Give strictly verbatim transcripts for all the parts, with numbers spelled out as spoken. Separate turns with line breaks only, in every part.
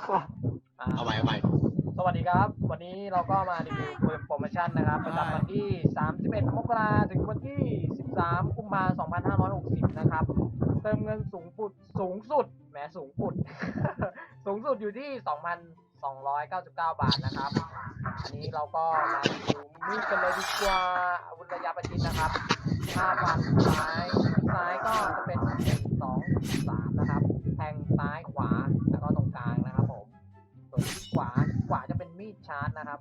เอาใหม่เอาใหม่
สวัสดีครับวันนี้เราก็มารีวิวปืนโปรโมชั่นนะครับประจำวันที่สามสิบเอ็ดมกราถึงวันที่สิบสามกุมภาพันธ์สองพันห้าร้อยหกสิบนะครับเติมเงินสูงปุดสูงสุดแหมสูงปุด สูงสุดอยู่ที่ สองพันสองร้อยเก้าสิบเก้า บาทนะครับอันนี้เราก็มารีวิวมีดกันเลยดีกว่าอาวุธระยะประชิดนะครับห้าฟันซ้ายซ้ายก็จะเป็นสองสามนะครับแทงซ้ายขวาแล้วก็ตรงกลางนะครับผมส่วนที่ขวาขวาจะเป็นมีดชาร์จนะครับ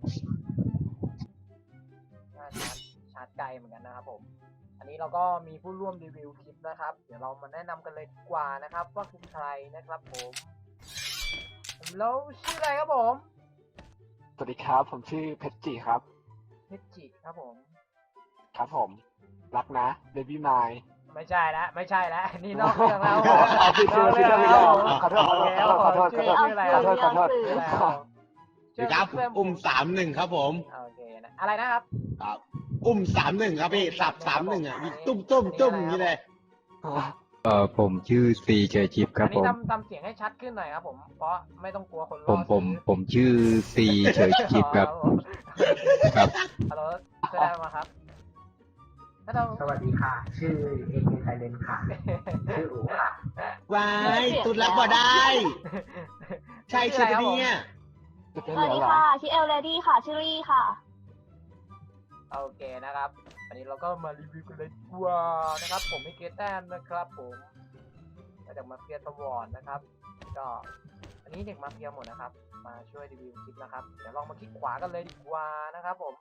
ชาร์จชาร์จไกลเหมือนกันนะครับผมอันนี้เราก็มีผู้ร่วมรีวิวคลิปนะครับเดี๋ยวเรามาแนะนำกันเลยดีกว่านะครับว่าคือใครนะครับผมแล้วชื่ออะไรครับผม
สวัสดีครับผมชื่อเพชรจิครับ
เพชรจิครับผม
ครับผมรักนะเบบี้ไมล์
ไม่ใช่แล้วไม่ใช่แล้วนี่นอกเรื่องแล้ว
ผิดชื่อผิดชื่อผิดชื่อขอโทษขอโทษขอโทษขอโทษ
ชื่ออะไรขอโทษขอโทษ
ครับอุ้มสามหนึ่งครับผม
โอเคนะอะไรนะครับ
ครับอุ้มสามหนึ่งครับพี่สับสามหนึ่งอ่ะตุ้มตุ้มตุ้มอย่างนี้เลย
เออผมชื่อซีเจชิปครับผม
อันนี้ทำทำเสียงให้ชัดขึ้นหน่อยครับผมเพราะไม่ต้องกลัวคนรอ
ผมผมผมชื่อซีเจชิปครับ
ครับฮัลโหลเชิญได้มาครับ
สวัสดีค่ะชื่อเอเไซเลนค่ะชื่ออู๋ค่ะ
วายตุดรับบ่ได้ใช่ใช่ไหมเนี่ย
สวัสดีค่ะชื่อเอลเลดี้ค่ะชื่อรี่ค่ะ
โอเคนะครับอันนี้เราก็มารีวิวกันเลยดีกว่านะครับผมไม่เกตแต้มนะครับผมมาจากมาเฟียสวอร์ดนะครับก็อันนี้เด็กมาเฟียหมดนะครับมาช่วยรีวิวคลิปนะครับเดี๋ยวลองมาคลิกขวากันเลยดีกว่านะครับผม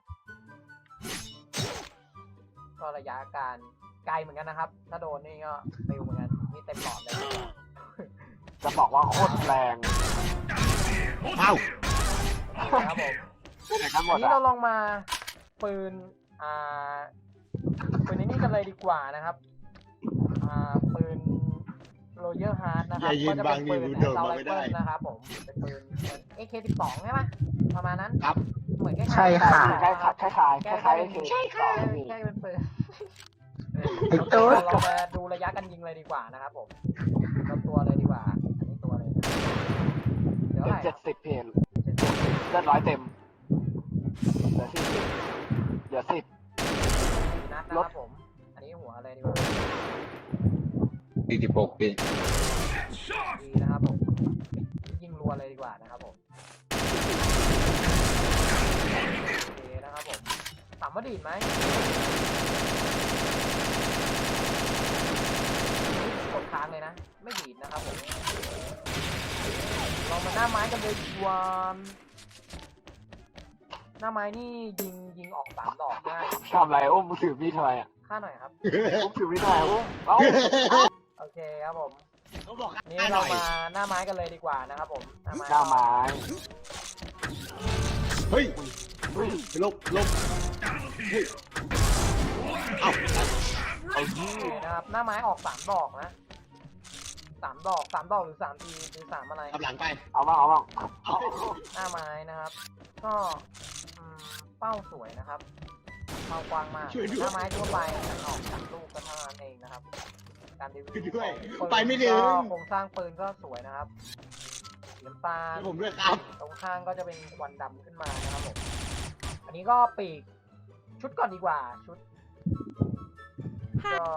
ก็ระยะการไกลเหมือนกันนะครับถ้าโดนนี่ก็เร็วเหมือนกันนี่เต็มหลอดเลย
จะบอกว่าโคตรแรง
เอ้า
ครับผม
อัน
นี้เราลองมาปืนอ่าปืนนี้กันเลยดีกว่านะครับอ่าปืนโรเยอร์ฮาร์ดนะครับก็จะเป็นปืนเซาไลเฟิลนะครับผมเป็นปืน เอ เค สิบสอง ใช่ไหมประมาณนั้น
ครับ
เหมือน
ใช่ค่ะใช่ค่ะใช่ค่ะ
ใช่ค่ะใช่ค่ะใช่เป็นปืนเรามาดูระยะกันยิงเลยดีกว่านะครับผมเราตัวเลยดีกว่าอันนี้ตัวเลยเดี๋ยว
เจ็ดสิบเพนเลือดร้อยเต็มเหลือสิบเหลือสิบ
นัดนะครับผมอันนี้หัวอะไรดีกว่า
สี่สิบหกปี
ดีนะครับผมยิงรัวเลยดีกว่านะครับผมโอเคนะครับผมถามว่าดีดไหมกดค้างเลยนะไม่ดีดนะครับผมลองมาหน้าไม้กันเลยดีกว่าหน้าไม้นี่ยิงยิงออกสามดอกได้
ทำไรอุ้มถือมีดทำไมอ่ะ
ฆ่าหน่อยครับ
อุ้มถือมีดทำไมอุ้ม
โอเคครับผม
เขาบอก
นี่เรามาหน้าไม้กันเลยดีกว่านะครับผม
หน้าไม้หน้าไม้
เฮ้ยลบลบเอ้า
เอาที่นะครับหน้าไม้ออกสามดอกนะสามดอกสามดอกหรือสามทีหรือสามอะไร
กำลังไป
เอามาเอามา
หน้าไม้นะครับก็เป้าสวยนะครับเป้ากว้างมากหน้าไม้ทั่วไปออกจากลูกก็เท่านั้นเองนะครับการรีวิว
ไปไม่ถึง
โครงสร้างปืนก็สวยนะครับน้ำตาล
ผมด้วยครับ
ตรงข้างก็จะเป็นควันดำขึ้นมานะครับผมอันนี้ก็ปีกชุดก่อนดีกว่าชุดก็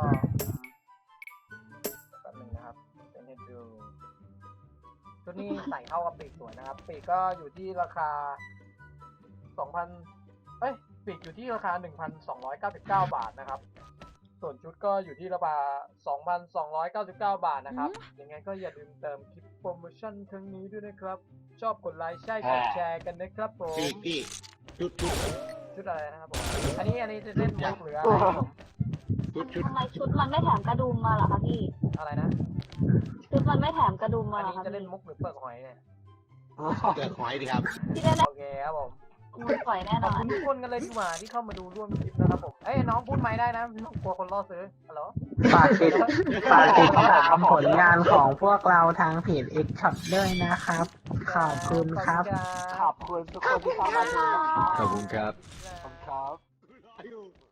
แป๊บนึงนะครับเป็นให้ดูชุดนี้ใส่เข้ากับปีกสวยนะครับปีกก็อยู่ที่ราคาสองพันเอ้ยปีกอยู่ที่ราคา หนึ่งพันสองร้อยเก้าสิบเก้า บาทนะครับส่วนชุดก็อยู่ที่ราคา สองพันสองร้อยเก้าสิบเก้า บาทนะครับยังไงก็อย่าลืมเติมคลิปโปรโมชั่นครั้งนี้ด้วยนะครับชอบกดไลค์ใช่กดแชร์กันนะครับผม
พี่ชุดชุด
ชุดอะไรนะครับผมอันนี้อันนี้จะเล่นมุกหรืออะไรผม
ชุดชุด
ทำไมชุดมันไม่แถมกระดุมมาเหรอคะพี่
อะไรนะ
ชุดมันไม่แถมกระดุมมาเหรอคะ
จะเล่นมุกหรือเปลือกหอยเนี่ย
เปลือกหอยดีครับ
โอเคครับผม
ปล่อยแน่นอน
ขอบคุณทุกคนกันเลยที่มาที่เข้ามาดูร่วมคลิปนะครับผมเอ้ยน้องพูดไม่ได้นะน้องกลัวคนล่อซื้อฮัลโหล
ฝากติดฝากติดตามผลงานของพวกเราทางเพจ X Shop ด้วยนะครับขอบคุณครับ
ขอบคุณทุกคนที่เข้ามาดูนะครับ
ขอบคุณครับ
ขอบคุณครับ